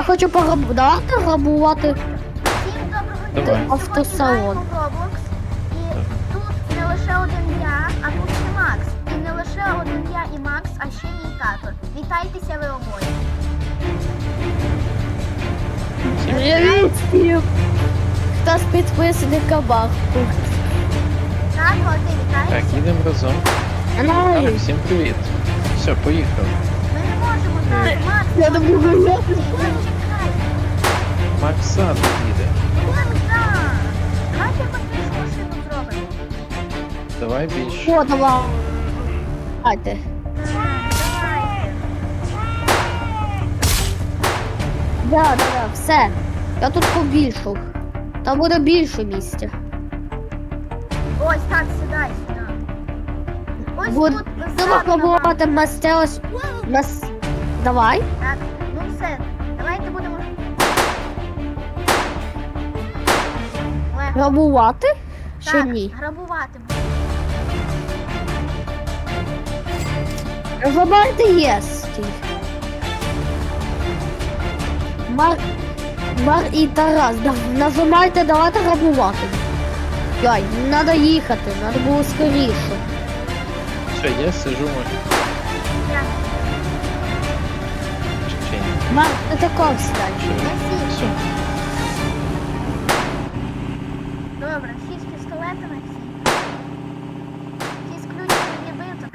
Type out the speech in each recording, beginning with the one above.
хочу давайте грабувати Всім доброго Давай. дня. Автосалон. Сьогодні граємо в Roblox. І тут не лише один я, а тут ще Макс. І не лише один я і Макс, а ще мій тато. Вітайтеся ви обоє. Привіт всім! Хто з підписників баху? Тато, а ти Так, вітаєшся? їдемо разом. Так, всім привіт. Все, поїхали. Ми не можемо, тато. Макс, Я не можу гуляти. чекай. Макс ззаду їде. Макс, так. Давайте якусь більшу машину зробимо. Давай більше. О, давайте. Давайте. Да, все. Я тут побільшав. Там буде більше місця. Ось так, сідай сюди. Ось Будемо тут ззаду нам. пробувати мастилось. Давай. Так, ну все, давайте будемо. Легко. Грабувати? Чи Так, ні? грабувати. Грабувати є стій. Мар і Тарас, нажимайте, давайте грабувати. Йой, не треба їхати, треба було скоріше. Все, я сижу в Я. машині. Мар, ти таков стань. Все. Добре, всі з пістолетами, всі. Всі з ключами від биток.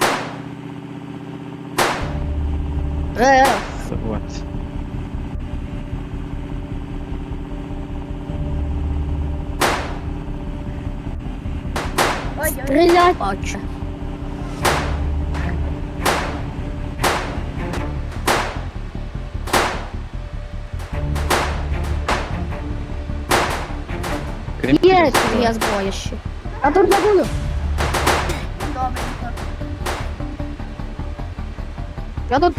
Согласен. Ой-ой. Стріляй, отче. Кріпкий Є розклад. твоя зброя ще. А тут забуду. Добренько. Я тут.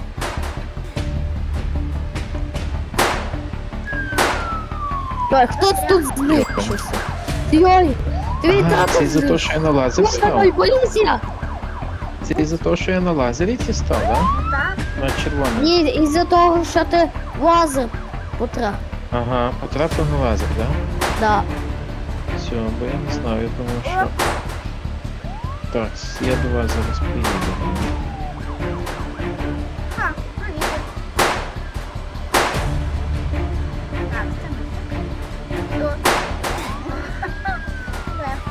Йой, хто тут знищився? Йой, твій Ага, тато це за те, що я на лазер Ой, став. поліція! Це за те, що я на лазері ті став, да? Ну так. На червоний. Ні, із-за того, що ти лазер потрапив. Ага, потрапив на лазер, да? Да. Все, бо я не знав, я думав, що... Так, я до вас зараз приїду. А, привіт. Так, це ми. До. Легко.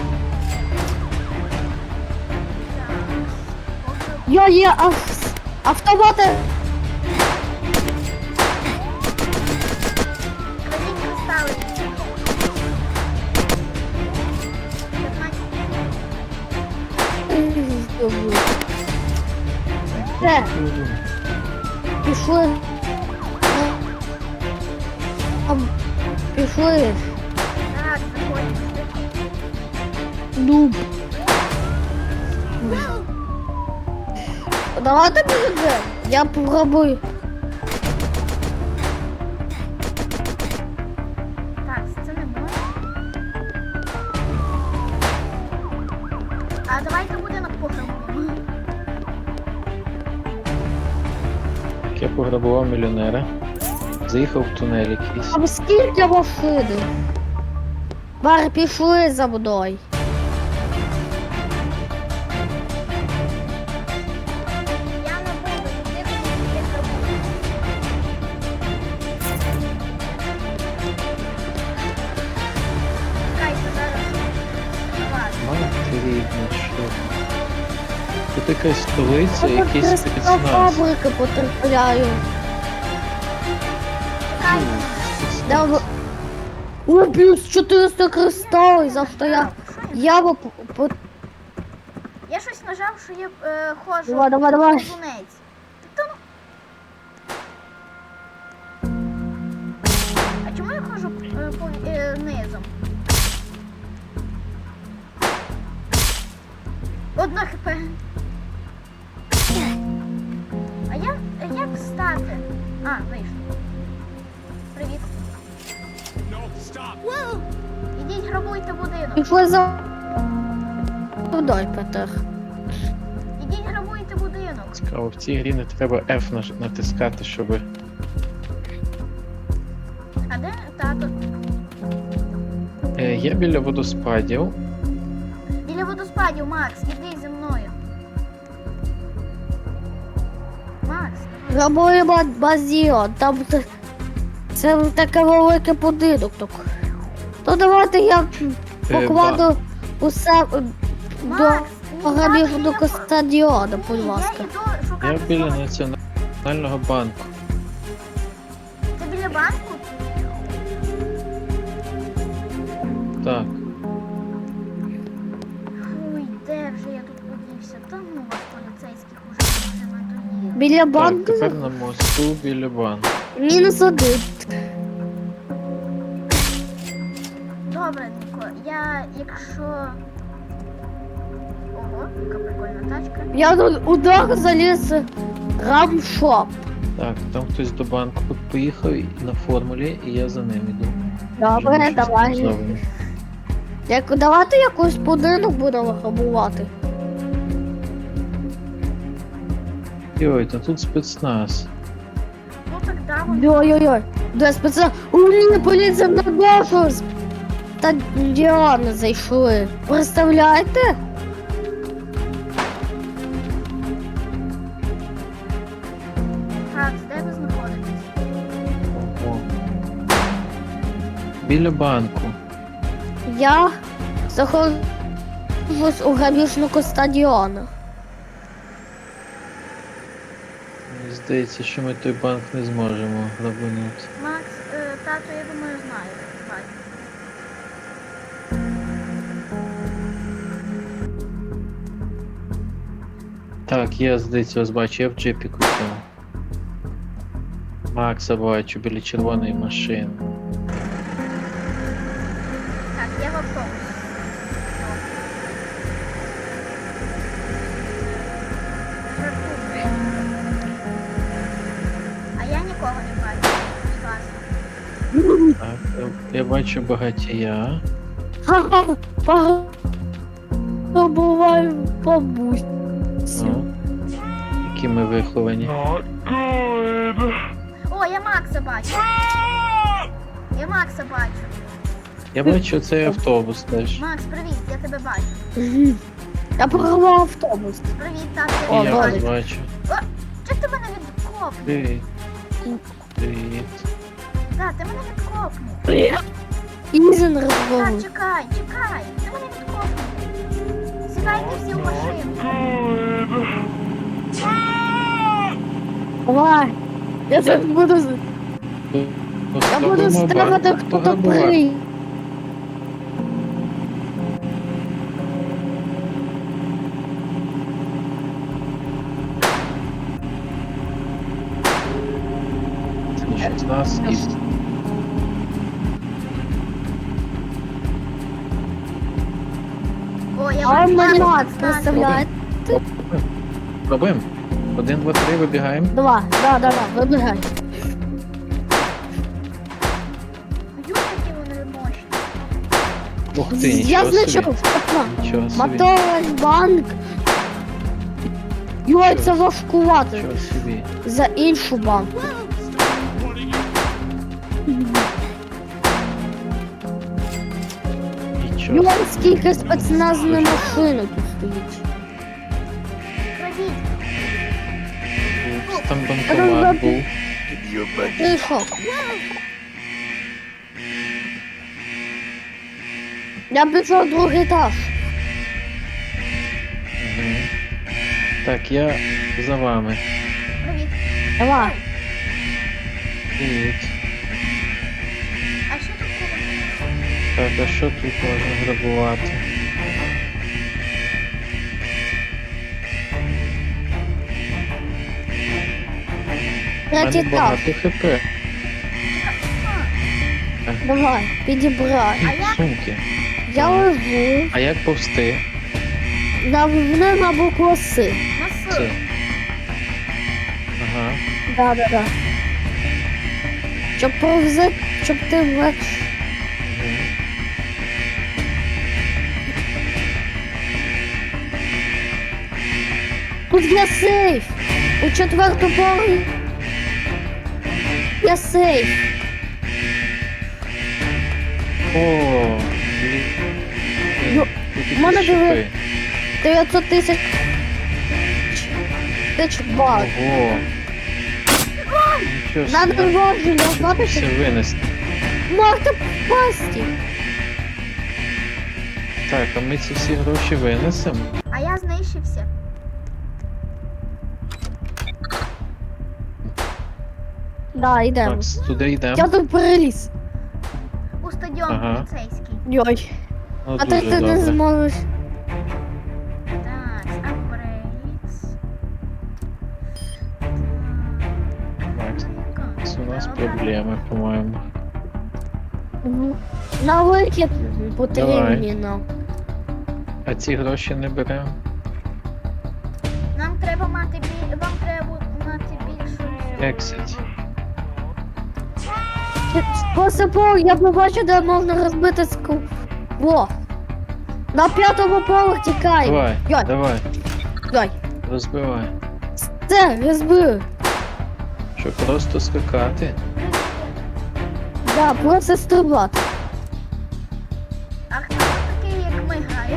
Так. Я є автомати. Кладіть кристали. 15. Все, пішли. Пішли. Так, заходьте. Дуб. Давайте буде. Я попробую. Так, це не можна. А давайте будинок пограбуємо. Я пограбував мільйонера. Заїхав в тунель якийсь. А скільки машини? Бар, пішли за мною. Я не буду йти, куди грабую. Чекайте, зараз. Ладно. Мати рідна, що? Тут якась столиця, якийсь Я спецназ. фабрики потрапляю. Чекайте. Да, о, плюс 400 кристалів, за що я бы Я щось нажав, що я ходжу. Давай. Повзунець. Та ну. А чому я ходжу низом? Одна хп. А як стати? А, вийшло. Привіт. Ідіть грабуйте будинок. пішли за мною, Петр. Ідіть грабуйте будинок. Цікаво, в цій грі не треба F натискати, щоб А де тато? Я біля водоспадів. Біля водоспадів, Макс, іди зі мною. Макс, Робили базіон, там це таке велике будинок. То давайте я покладу усе до Макс, грабіжного стадіону, будь ні, ласка. я йду Я шукати біля Соню. національного банку. Ти біля банку? Так. Ой, де вже я тут подівся? Та ну вас поліцейських уже надоїли. Біля Так, банку тепер на мосту біля банку. -1. Добренько, я якщо... Ого, яка прикольна тачка. Я тут удар заліз рамшоп. Так, там хтось до банку поїхав на формулі, і я за ним іду. Добре, Вже щось давай. зроблено. Давайте якийсь будинок будемо грабувати. Йой, та тут спецназ. Ну так да, вон. Ой-ой-ой, де спеціально. У ні, поліція на нашу стадіон зайшли. Представляєте? Так, де ви знаходитесь? О. Біля банку. Я знаходжусь у грабіжного стадіону. Мені здається, що ми той банк не зможемо грабанути. Макс, тато, я думаю, знаю. Бать. Так, я, здається, вас бачу, я в джипіку цьому. Макса бачу біля червоної машини. Так, я в автобусі. Жартую. А я нікого не бачу. з вас. Так, я бачу багатія. Ха-ха, пограбуваю бабусю. Ну, які ми виховані. О, я Макса бачу. Я Макса бачу. Я бачу цей автобус теж. Макс, привіт, я тебе бачу. Я програв автобус. Привіт, тато, І я О, я тебе вас бачу. бачу. Чи ти мене відкопнув? Привіт. Привіт. Так, ти мене відкопнув. Ізен Так, розбив. чекай, чекай. Ти мене відкопнув. Сідайте всі в машину. Давай. Я тут буду... Я буду ставити, хто то прийде. З нас і О, я А бачу мене Макса, мат, Макса. представляєте? пробуємо. 1, 2, 3, вибігаємо. Два, да, вибігай. Ю, які вони мощні. Ух ти, Я нічого собі. знайшов. Нічого собі. Мотовий банк. Йой, це важкувати. Нічого собі. За іншу банку. Нічого Йой, собі. скільки спецназної машини тут стоїть. Крадіть. Там банкомат був. Ти що? Я пішов в другий етаж. Мгм. Так, я за вами. Привіт. Давай. Привіт. А що тут було? Так, а що тут можна грабувати? У Третій мене етаж. багато хп. Давай, підібрай. А як? Сумки. Я лежу. А як повсти? Навни на букву С. Це. Маси. Ага. Да. Щоб повзе, щоб ти Мгм. Тут є сейф. У четвертому поверсі є сейф. О, Ну, тут в мене якісь були- шипи. 900 тисяч бат. Ого. Нічого Надо собі. вложення, Щоб знаєте, все винести. можна впасти. Так, а ми ці всі гроші винесемо? А я знищився. Да, йдемо. Макс, туди йдемо? Я тут переліз. У стадіон Ага. поліцейський. Йой. Ну, А дуже ти не добре. зможеш. Так, апгрейдс. Макс, у нас проблеми, по-моєму. Мгм. На вихід потрібні нам. А ці гроші не беремо? Нам треба мати вам треба мати більшу. Exit. Посипав, я побачив, де можна розбити скло. На 5-му поверсі тікаємо. Давай, Йой, давай, йой. розбивай. Це, розбив. Що, просто скакати? Да, просто стрибати. А хто такий, як ми грає?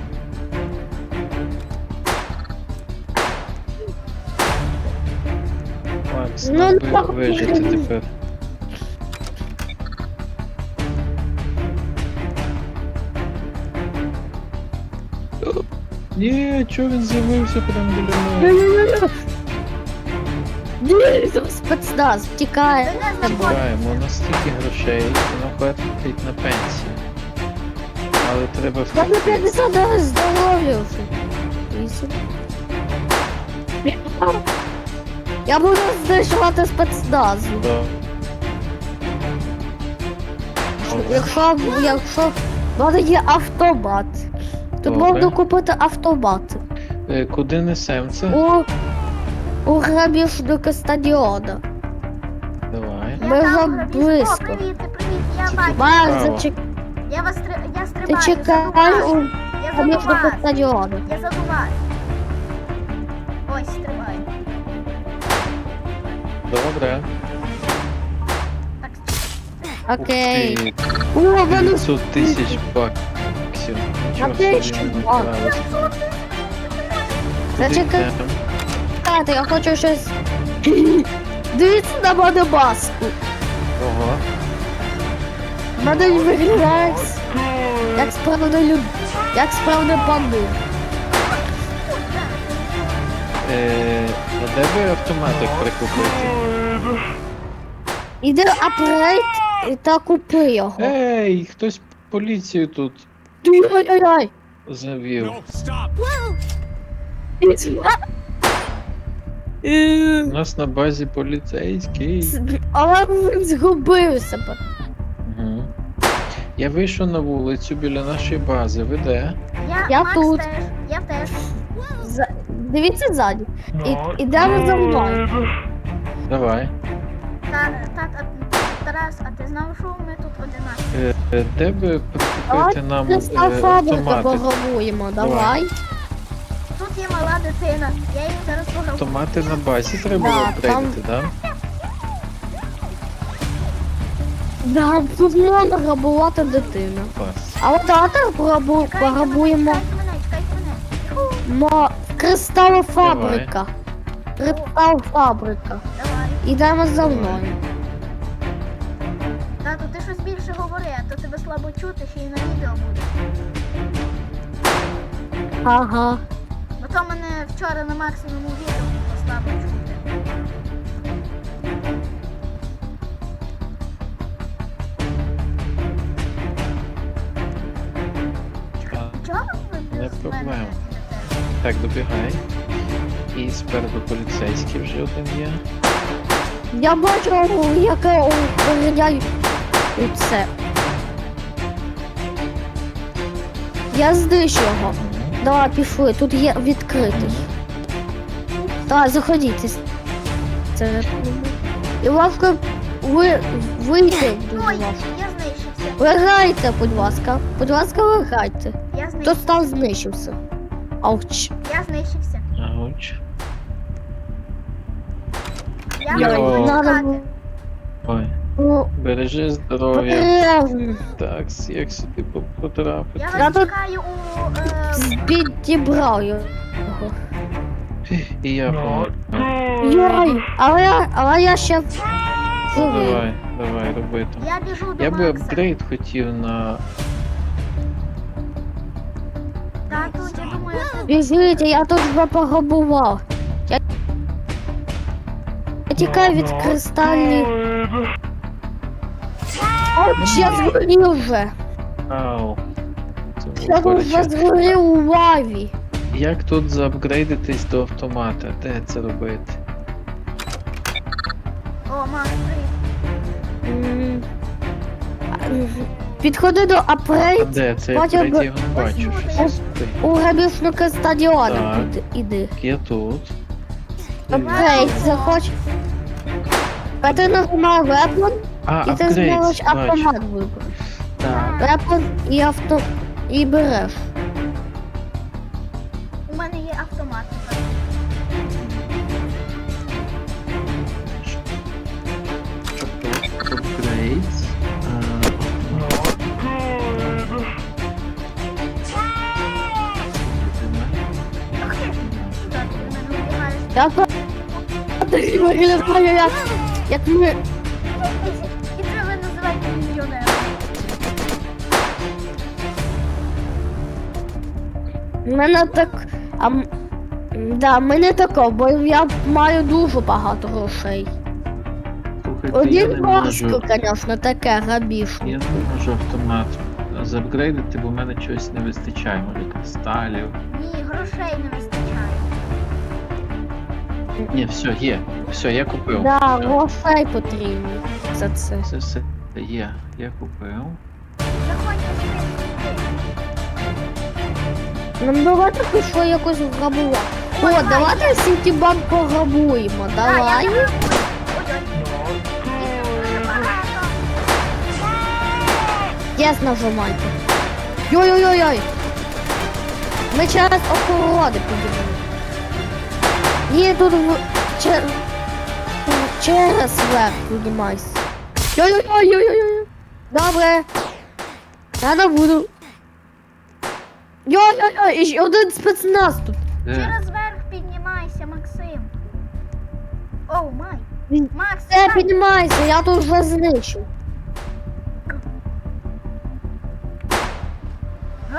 Макс, Ну, нам так. би вижити тепер. Ні, чого він з'явився прямо біля мене? Ні, спецназ, втікає. Ви не знаходите. Збираємо настільки грошей, що нам хватить на пенсію. Але треба Я на втекти. 50 раз здоров'я вже. 8. Я буду знищувати спецназ. Да. Якщо в мене є автомат. Тут Добре. можна купити автомат. Куди несем це? У грабіжника стадіона. Давай. Я Ми там вже грабіж. близько. О, привіт, я Це бачу. Марк, Право. Я вас я ти стрибаю. чекай задуваю. у Я заду грабіжника вас. стадіону. Я задуваю. Ось, стрибаю. Добре. Так, Окей. Ух ти, О, мене 900 тисяч баксів. Нічого Опять собі ще не бак. вкрали. Зачекай. Куди йдемо? Чекайте, я хочу щось. Дивіться на мене маску. Ого. Мене виглядає як справді як справді бандит. А де би автоматик прикупити? Іди апгрейд та купи його. Ей, хтось поліцію тут Ой-ой-ой. завів. У нас на базі поліцейський. Але він згубив себе. Угу. Я вийшов на вулицю біля нашої бази. Ви де? Я Макс тут. теж. Я теж. Дивіться ззаді. Ідемо за мною. Давай. Тарас, а ти знав, що ми тут 11? Де би прикупити нам Кристал фабрика автомати? пограбуємо, Давай. давай. Тут є мала дитина. Я її зараз пограбую. Автомати на базі треба Да, було апгрейдити, так? Да, тут можна грабувати дитину. Клас. А от давайте пограбуємо Чекайте мене. Кристал фабрика. Кристал фабрика. Давай. Ідемо за мною. Тату, ти щось більше говори, а то тебе слабо чути, ще й на відео буде. Ага. Бо то мене вчора на максимуму відео було слабо чути. Чого ви Не без проблема. мене йдете? Так, добігай. І спереду поліцейський вже один є. Я бачу, яке виглядає це. Я знищу його. Давай, пішли, тут є відкритий. Так, заходіть. Це... І ласка, вийти, будь Ой, ласка. я знищився. Виграйте, будь ласка. Будь ласка, виграйте. Я Хто знищився. став знищився? Ауч. Я знищився. Ауч. Я Я хочу Йо. надо шукати. було. Ой. Ну, Бережи здоров'я. потрібно. Так, як сюди потрапити? Я Я вас тут- чекаю у... Підібрав його. І я помогу. Йой, але я ще Ну, живий. давай, роби там. Я біжу до Я би Макса. апгрейд хотів на... Тату, я думаю, це... Біжіть, я тут вже пограбував. Я тікаю від кристальних. От я згорів вже. Ау. Це було Я тут вже боляче. згорів у лаві. Як тут заапгрейдитись до автомата? Де це робити? О, Макс, привіт. М. Підходи до А апгрейд де? Це я Потім апгрейд його не бачу. Ось Щось тут. у грабіжника стадіону. Так. Іди. Я тут. Апгрейд захоч. А ти нажимай вепон, А, і ти апгрейд, зможеш бачу. автомат вибрати. Так. Вепон і авто. І береш. У мене є автомат. Апгрейд. Так, ти мене вибігаєш. Я виглядаю як ми. І це ви називаєте мільйонером. Мене так. Да, мене тако, бо я маю дуже багато грошей. Слухайте, я Один не важко, можу. звісно, таке грабіжне. Я не можу автомат заапгрейдити, бо в мене чогось не вистачає. Може кристалів. Ні, грошей не вистачає. Ні, все, є. Все, я купив. Да, Все. грошей потрібно за це. Це все є. Я купив. Заходьте сюди. Нам давайте пішло якось грабувати. О, давайте Сітібанк пограбуємо. Давай. Їх дуже багато. Єс, нажимайте. Йой-йой-йой. Ми через охорони подивимо. Ні, тут через верх піднімайся. Йой-йой-йой-йой-йой. Добре. Я не буду. Йой-йой-йой, і ще один спецназ тут. Де? Через верх піднімайся, Максим. Оу, май. Він- Макс, Все, сідай. піднімайся, я тут вже знищу. Га?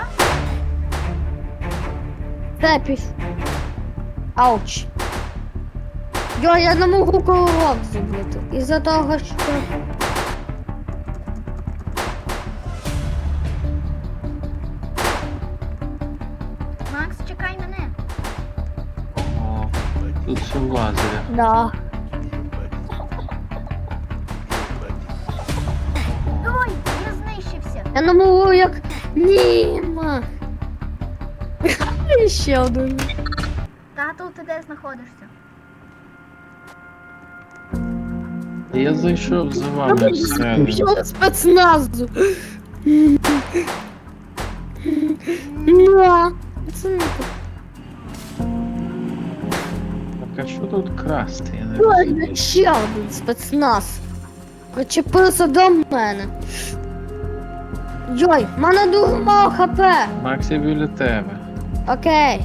Все, піш. Ауч. Йо, я не можу колорок зробити. Із-за того, що... Макс, чекай мене. О, тут все в лазері. Да. Ой, я знищився. Я не можу як... Німа. Ще один. Тату, ти де знаходишся? Я зайшов за вами всередину. Що спецназу? На. Це не так. Так, а що тут красти? Я не Ой, розумію. ще один спецназ. Причепився до мене. Йой, в мене дуже мало хп. Макс, я біля тебе. Окей.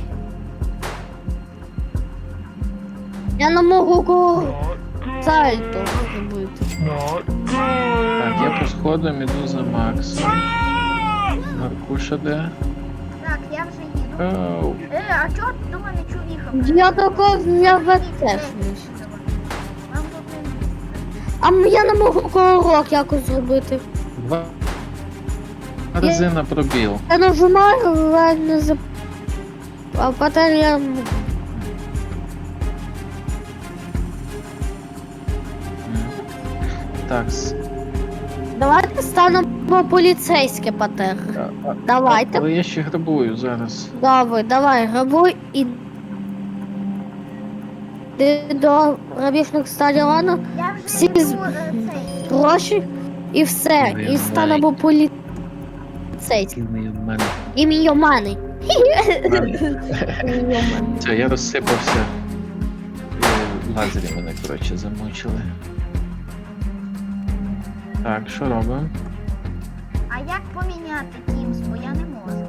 Я не можу сальто зробити. Так, я по сходам іду за Максом. Маркуша де? Так, я вже їду. Оу. А чого до мене чувіха? Я такого я теж не. Вам тут не місце. А я не можу колорок якось зробити. Два рази на пробіл. Я нажимаю, але не за... А потім я... Так, Давайте станемо поліцейське патер. Давайте. але я ще грабую зараз. Давай, грабуй і... Ти до грабіжних стадіону, Я вже Всі йду, з- цей. гроші і все. І станемо поліцейським. Який мій в мене. Ім'йоманий. Все, я розсипався. Лазері мене, коротше, замучили. Так, що робимо? А як поміняти Teams, бо я не можу.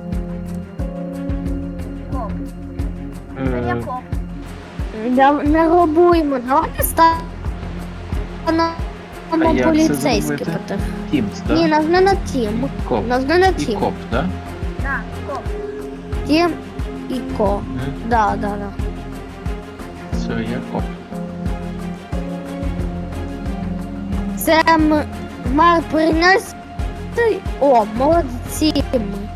Коп. Це я Е, коп. Не робуємо, давайте станемо А як це поліцейські, зробити? Петр. Teams, Ні, да? нас не на тім. Коп. Нас не на І тім. коп, да? Так, коп. Тім і ко. Мгм. Да, да, да. Все, я коп. Це має принести. О, молодці.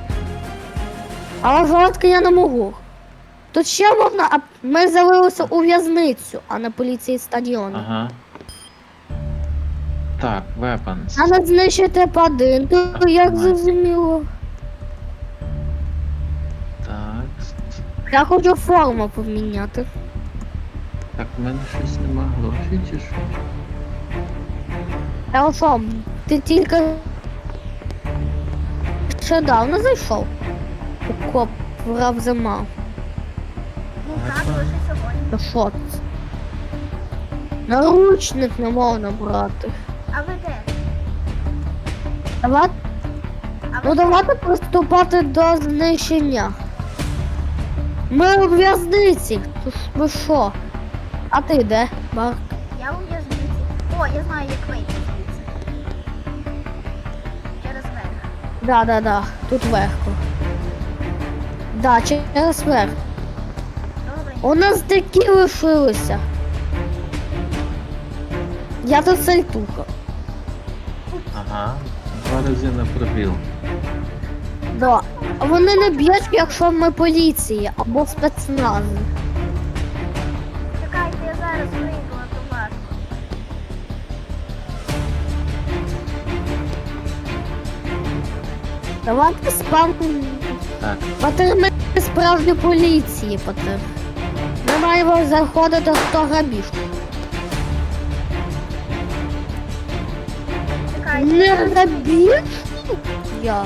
Але жорстко я не можу. Тут ще можна, а ми залилися у в'язницю, а не поліції стадіону. Ага. Так, weapons. Треба знищити падин, то як Ага. зрозуміло. Так. Я хочу форму поміняти. Так, в мене щось нема грошей чи що? Я що, ти тільки ще давно зайшов? У коп врав зима. Ну так, лише сьогодні. Та що це? Наручник не можна брати. А ви де? Давай, А ну ви давайте приступати до знищення. Ми у в'язниці. Ви що? А ти де, Марк? Я у в'язниці. О, я знаю, як вийти звідси. Через верх. Да. Тут легко. Да, через верх. Добре. У нас такі лишилися. Я тут сальтуха. Ага. 2 рази на пробіл. Да. А вони не б'ють, якщо ми поліції або спецнази. Чекайте, я зараз вийду, а то важко. Давайте спам. Так, Патер, ми справжні поліції, Патер. Ми маємо заходити, хто грабіж. Чекайте. Не грабіж? Я.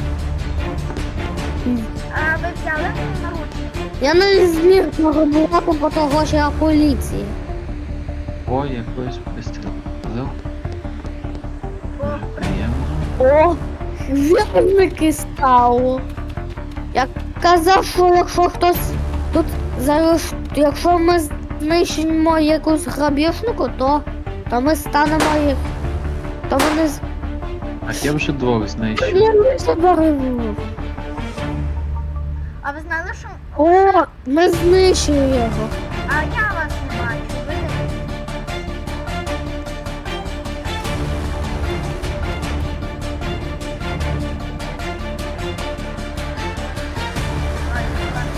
А ви взяли наручники? Я не зміг пограбувати, бо того, що я поліція. о, якось вистріл. Взяв. О, Приємно. О, вірники стало. Я казав, що якщо хтось тут зараз, якщо ми знищимо якусь грабіжнику, то ми станемо їх. То вони Так, я вже 2 знайшов. не заберемо. а ви знали, що... О, ми знищили його. А я вас не бачу. Ви де? Ой, будь ласка.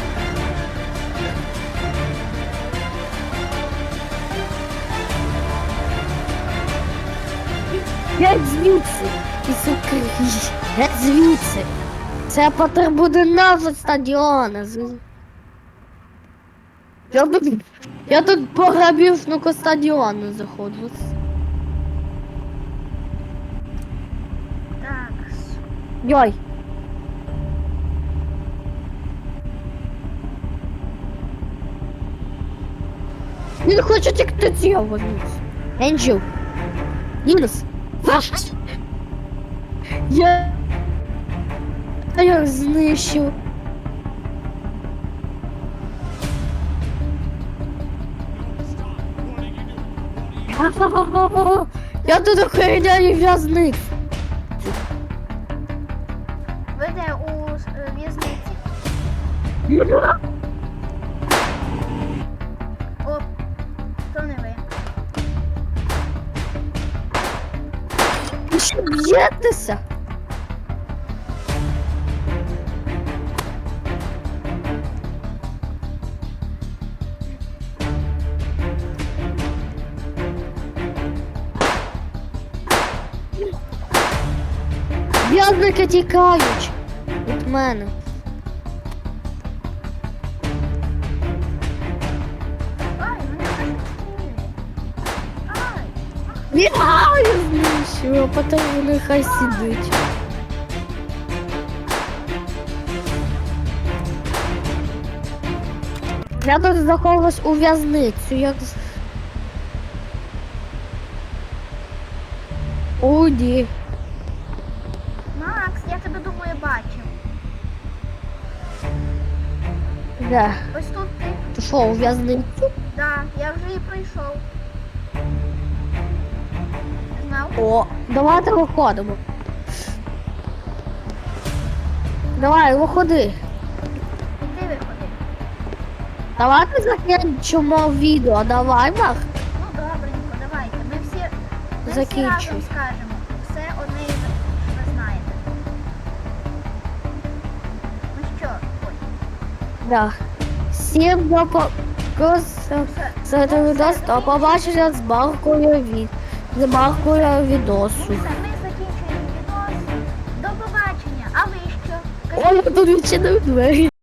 Геть звідси. І суки. Геть звідси. Це потребує назва стадіона. Я тут по грабіжнику стадіону заходжу. Так. Йой. Він хоче тікти цього. Енджел. Мінус. Ваш. Я його знищив. Я тут охороняю в'язницю. Ви де у в'язниці? О, то не ви. Ви що б'єтеся? В'язники тікають від мене. Ай, мене зашкрили. Ай. Я знищую, а потім вони хай сидить. Я тут заховалась у в'язницю, як... О, Іди. Макс, я тебе думаю бачив. Де? Ось тут ти. Ти що, у в'язницю? Да, я вже її пройшов. Знав? О, давайте виходимо. Давай, виходи. І ти виходи. Давайте закінчимо відео. Давай, Мах. Ну добренько, давайте. Ми всі Закінчуй. разом скажемо. Все одне і ви знаєте. Ну що, ой. Да. Всім до відос, до побачення з Маркою відосу. Все, ми закінчуємо відео. До побачення. А ви що? Ой, тут відчинив двері.